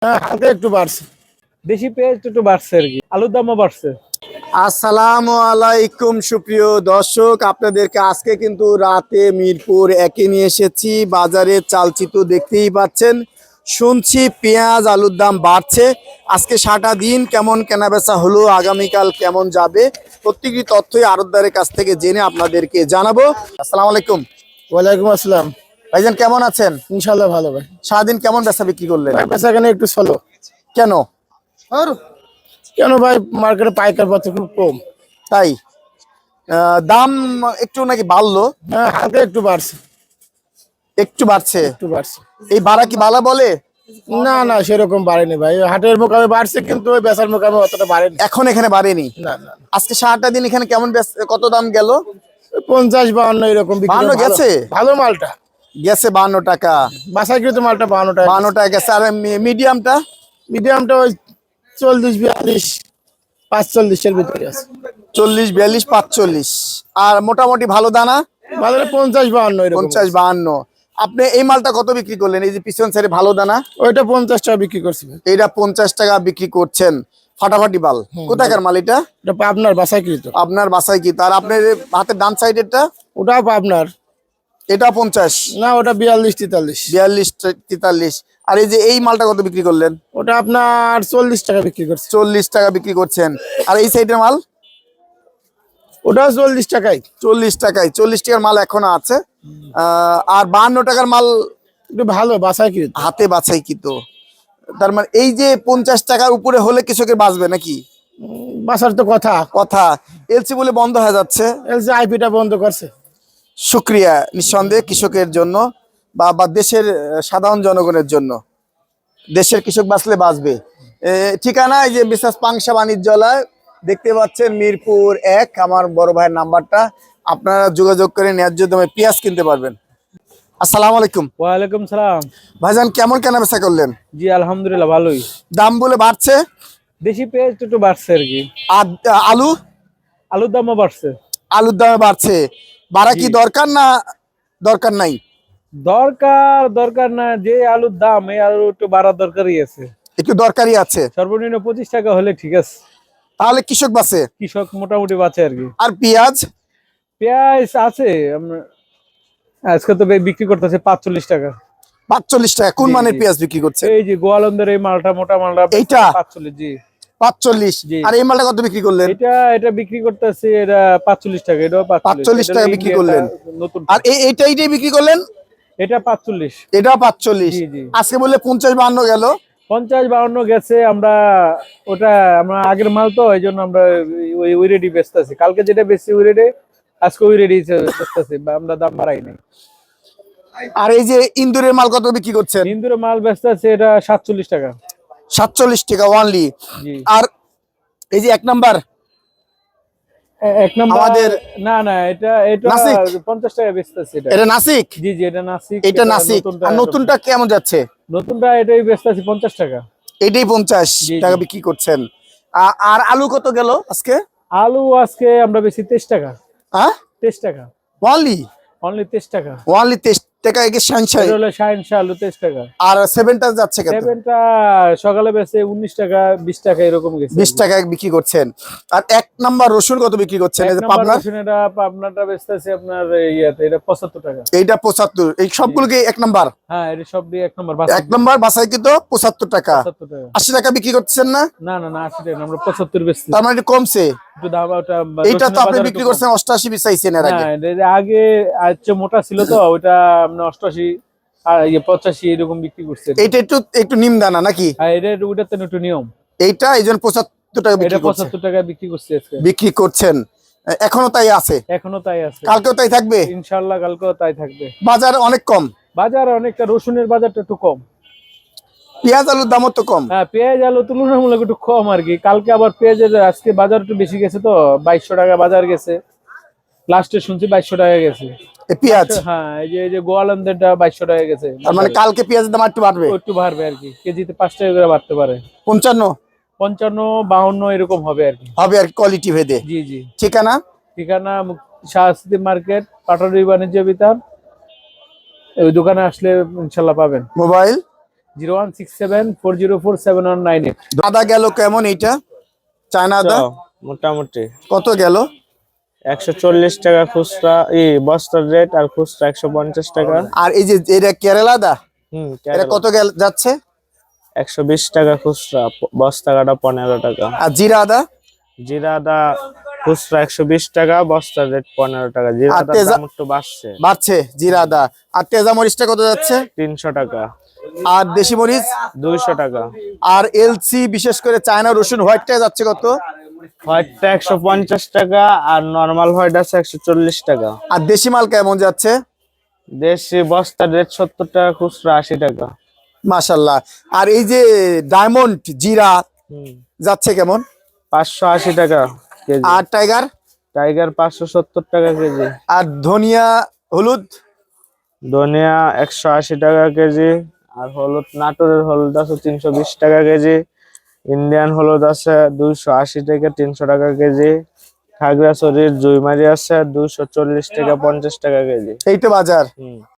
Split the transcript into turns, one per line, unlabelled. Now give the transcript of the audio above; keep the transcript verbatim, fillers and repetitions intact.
হ্যাঁ, হালকা একটু বাড়ছে।
দেশি পেঁয়াজ একটু বাড়ছে আর কি, আলুর দামও বাড়ছে।
আসসালামু আলাইকুম সুপ্রিয় দর্শক, আপনাদেরকে আজকে কিন্তু রাতে মিরপুর একে নিয়ে এসেছি। বাজারে চালচিত্র দেখতেই পাচ্ছেন, শুনছি পেঁয়াজ আলুর দাম বাড়ছে। আজকে সারাটা দিন কেমন কেনাবেচা হলো, আগামীকাল কেমন যাবে, প্রত্যেকটি তথ্যই আড়তদারের কাছ থেকে জেনে আপনাদেরকে জানাবো। আসসালামু আলাইকুম।
ওয়ালাইকুম আসসালাম।
ভাইজান কেমন আছেন?
ইনশাল্লাহ ভালো ভাই।
সারাদিন কেমন বেচা বিক্রি করলেন?
বেচা কেন একটু চলো।
কেন
কেন ভাই, মার্কেটে পাইকার পত্র খুব কম।
তাই? আহ, দাম একটু নাকি বাড়লো?
হ্যাঁ, হালকা একটু বাড়ছে।
একটু বাড়ছে?
একটু বাড়ছে।
এই বাড়া কি বালা বলে?
না না, সেরকম বাড়েনি ভাই। হাটের মোকামে বাড়ছে, কিন্তু ওই বেচার মোকামে অতটা বাড়েনি।
এখন এখানে বাড়েনি?
না না,
আজকে সারাটা দিন এখানে কেমন বেচ- কত দাম গেল?
পঞ্চাশ বাহান্ন এরকম বিক্রি।
বাহান্ন
ভালো-
গেছে?
ভালো মালটা
গেছে বান্ন টাকা।
বাসায় কিন্তু মালটা বাহান্ন টাকা।
বান্ন টাকা গেছে। আর মিডিয়ামটা?
মিডিয়ামটা ওই চল্লিশ বিয়াল্লিশ পাঁচচল্লিশের ভিতরে আছে।
চল্লিশ বিয়াল্লিশ পাঁচচল্লিশ। আর মোটামুটি ভালো দানা?
বাজারে পঞ্চাশ বাহান্ন এরকম।
পঞ্চাশ বাহান্ন। আপনি এই মালটা কত বিক্রি করলেন? এই যে পিছন সাইডে ভালো দানা,
ওইটা পঞ্চাশ টাকা বিক্রি করছি ভাই।
এইটা পঞ্চাশ টাকা বিক্রি করছেন। ফাটাফাটি মাল। কোথাকার মাল এটা?
এটা আপনার বাসায় কিনতো।
আপনার বাসায় কি? তার আপনার হাতের ডান সাইডেরটা
ওটাও আপনার?
এটা পঞ্চাশ
না, ওটা বিয়াল্লিশ তেতাল্লিশ।
বিয়াল্লিশ তেতাল্লিশ। আর এই যে এই মালটা কত বিক্রি করলেন?
ওটা আপনার চল্লিশ টাকা বিক্রি করছে।
চল্লিশ টাকা বিক্রি করছেন। আর এই সাইডের মাল?
ওটাও চল্লিশ টাকায়।
চল্লিশ টাকায়। চল্লিশ টাকার মাল এখনো আছে। আহ, আর বাহান্ন টাকার মাল
একটু ভালো বাসায় কিনতো।
হাতে বাছাই কি তো। তার মানে এই যে পঞ্চাশ টাকার উপরে হলে কৃষকের বাঁচবে নাকি?
বাসার তো কথা।
কথা। এলসি বলে বন্ধ হয়ে যাচ্ছে।
এলসি আইপিটা বন্ধ করছে।
শুক্রিয়া নিঃসন্দেহে কৃষকের জন্য বা বা দেশের আহ, সাধারণ জনগণের জন্য। দেশের কৃষক বাঁচলে বাঁচবে। এ, ঠিকানা এই যে বিশেষ পাংশা বাণিজ্যালয় দেখতে পাচ্ছেন, মিরপুর এক। আমার বড় ভাইয়ের নাম্বারটা, আপনারা যোগাযোগ করে ন্যায্য দামে পেঁয়াজ কিনতে পারবেন। আসসালামু আলাইকুম।
ওয়ালাইকুম সালাম।
ভাইজান কেমন কেনা বেচা করলেন?
জি আলহামদুলিল্লাহ ভালোই।
দাম বলে বাড়ছে?
দেশি পেঁয়াজ একটু বাড়ছে আর কি,
আর আলু?
আলুর দামও বাড়ছে।
আলুর দামে বাড়ছে। বাড়া কি দরকার না দরকার নাই?
দরকার দরকার না, যে আলুর দাম এই আলু একটু বাড়ার দরকারই আছে।
একটু দরকারই আছে।
সর্বনিম্ন পঁচিশ টাকা হলে ঠিক আছে,
তাহলে কৃষক বাঁচে।
কৃষক মোটামুটি বাঁচে আর কি।
আর পেঁয়াজ?
পেঁয়াজ আছে আমরা- আজকে তো বে- বিক্রি করতেছে পাঁচচল্লিশ টাকা।
পাঁচচল্লিশ টাকা। কোন
জি,
মানের
জি।
পেঁয়াজ বিক্রি করছে?
এই যে গোয়ালন্দের এই মালটা, মোটা মালটা
এইটা?
পাঁচচল্লিশ। জি
পাঁচচল্লিশ।
জি।
আর এই মালটা কত বিক্রি করলেন?
এটা এটা বিক্রি করতেছে এটা পাঁচচল্লিশ টাকা, এটাও
পাঁচচল্লিশ টাকা বিক্রি করলেন।
নতুন।
আর এই এইটা এইটাই বিক্রি করলেন?
এটা পাঁচচল্লিশ।
এটা পাঁচচল্লিশ।
জি, জি।
আজকে বললে পঞ্চাশ বাহান্ন গেল।
পঞ্চাশ বাউন্ন গেছে। আমরা ওটা আমরা আগের মাল তো, এই জন্য আমরা ওই ওই রেডি বেচতেছি। কালকে যেটা বেশি ওই রেডি, আজকে ওই রেডি বেচতেছি, আমরা দাম বাড়াই নাই।
আর এই যে ইন্দুরের মাল কত বিক্রি করছেন?
ইন্দুরে মাল বেচতেছে এটা সাতচল্লিশ টাকা।
সাতচল্লিশ টাকা ওয়ানলি।
জি।
আর এই যে এক নাম্বার
এ- এক নম্বর
আমাদের
না না, এটা এটা
নাসিক?
পঞ্চাশ টাকা বেচতেছে এটা।
এটা নাসিক?
জি জি, এটা নাসিক।
এটা নাসিক।
নতুনটা
আর নতুনটা কেমন যাচ্ছে?
নতুনটা এটাই বেচতেছি পঞ্চাশ টাকা।
এটাই পঞ্চাশ
জি, জি।
টাকা বিক্রি করছেন। আ- আর আলু কত গেল আজকে?
আলু আজকে আমরা বেশি তেইশ টাকা।
হ্যাঁ,
তেইশ টাকা
ওয়ানলি?
অনলি, তেইশ টাকা।
ওয়ানলি তেইশ টাকা। একে সানশাই।
এটা হলো শাইন শাহ আলু, তেইশ টাকা।
আর সেভেনটা যাচ্ছে কত?
সেভেনটা সকালে বেচে উনিশ টাকা, বিশ টাকা এরকম গেছে।
বিশ টাকায় বিক্রি করছেন। আর এক নাম্বার রসুন কত বিক্রি করছেন?
এক
এই যে
নাম্বার
পাবনার?
রসুন এটা পাবনাটা বেচতেছে আপনার ইয়াতে, এটা পঁচাত্তর টাকা।
এইটা পঁচাত্তর। এই সবগুলোকে এক নাম্বার?
হ্যাঁ, এটা সব দিয়ে এক নম্বর
এক নাম্বার বাসায় কিন্তু পঁচাত্তর টাকা।
পঁচাত্তর টাকা।
আশি টাকা বিক্রি করছেন না?
না না না, আশি টাকা না, আমরা পঁচাত্তর বেচছি।
তার মানে একটু কমছে।
একটু দাম ওটা
এইটা তো
রসুনের
আপনি
বাজার
বিক্রি
একটু কম।
করছেন অষ্টাশি বিচাইছেন এর আগে।
হ্যাঁ, এটা আগে আচ্ছা মোটা ছিল তো, ওইটা আমরা অষ্টাশি আর ইয়ে পঁচাশি এরকম বিক্রি করছে।
এইটা একটু একটু নিম দানা নাকি?
হ্যাঁ, এটা ওটাতে একটু নিয়ম।
এইটা এই জন্য পঁচাত্তর টাকা
এটা
বিক্রি করছেন।
পঁচাত্তর টাকা বিক্রি করছে আজকে।
বিক্রি করছেন। এখনো তাই আছে?
এখনো তাই আছে।
কালকেও তাই থাকবে?
ইনশাল্লাহ কালকেও তাই থাকবে।
বাজার অনেক কম।
বাজার অনেকটা, রসুনের বাজারটা একটু কম।
পেঁয়াজ আলুর দামও তো কম।
হ্যাঁ, পেঁয়াজ আলু তুলনামূলক একটু কম আর কি। কালকে আবার পেঁয়াজের আজকে বাজার একটু বেশি গেছে তো, বাইশশো টাকা বাজার গেছে। লাস্টে শুনছি বাইশশো টাকা গেছে
এই পেঁয়াজ?
হ্যাঁ, এই যে এই যে গোয়ালন্দেরটা বাইশশো টাকা গেছে।
তার মানে কালকে পেঁয়াজের দাম একটু বাড়বে?
ও একটু বাড়বে আর কি, কেজিতে পাঁচ টাকা করে বাড়তে পারে।
পঞ্চান্ন
পঞ্চান্ন বাউন্ন এরকম হবে আর কি।
হবে আর কোয়ালিটি ভেদে।
জি জি।
ঠিকানা?
ঠিকানা শাহস্তি মার্কেট, পাটারি বাণিজ্য বিতান। ওই দোকানে আসলে ইনশাল্লাহ পাবেন।
Mobile?
Zero one six seven four zero four seven one nine eight.
আদা গেল কেমন এইটা? চায়না আদা
মোটামুটি
কত গেল?
একশো চল্লিশ টাকা খুচরা, ই বস্তার রেট, আর খুচরা একশো পঞ্চাশ টাকা।
আর এই যে এটা কেরালা আদা,
হুম
এটা কত গেল যাচ্ছে?
একশো বিশ টাকা খুচরা, প- বস্তা কাটা পনেরো টাকা।
আর জিরা আদা?
জিরা আদা খুচরা একশো বিশ টাকা, বস্তার রেট পনেরো টাকা। জিরা
আর
আদার
তেজা-
দাম একটু বাড়ছে,
বাড়ছে জিরা আদা। আর তেজা মরিচটা কত যাচ্ছে?
তিনশো টাকা।
আর দেশি মরিচ?
দুইশো টাকা।
আর এলসি বিশেষ করে চায়না রসুন হোয়াইটটা যাচ্ছে কত?
হোয়াইটটা একশো পঞ্চাশ টাকা, আর নর্মাল হোয়াইট আছে একশো চল্লিশ টাকা।
আর দেশি মাল কেমন যাচ্ছে?
দেশি বস্তার রেট সত্তর টাকা, খুচরা আশি টাকা।
মাশাল্লাহ। আর এই যে ডায়মন্ড জিরা
হুম
যাচ্ছে কেমন?
পাঁচশো আশি টাকা কেজি।
আর টাইগার?
টাইগার পাঁচশো সত্তর টাকা কেজি।
আর ধনিয়া হলুদ?
ধনিয়া একশো আশি টাকা কেজি। আর হলুদ, নাটোরের হলুদ আছে তিনশো বিশ টাকা কেজি। ইন্ডিয়ান হলুদ আছে দুইশো আশি থেকে তিনশো টাকা কেজি। খাগড়াছড়ির জুইমারি আছে দুইশো চল্লিশ টাকা পঞ্চাশ টাকা কেজি।
এই তো বাজার।
হুম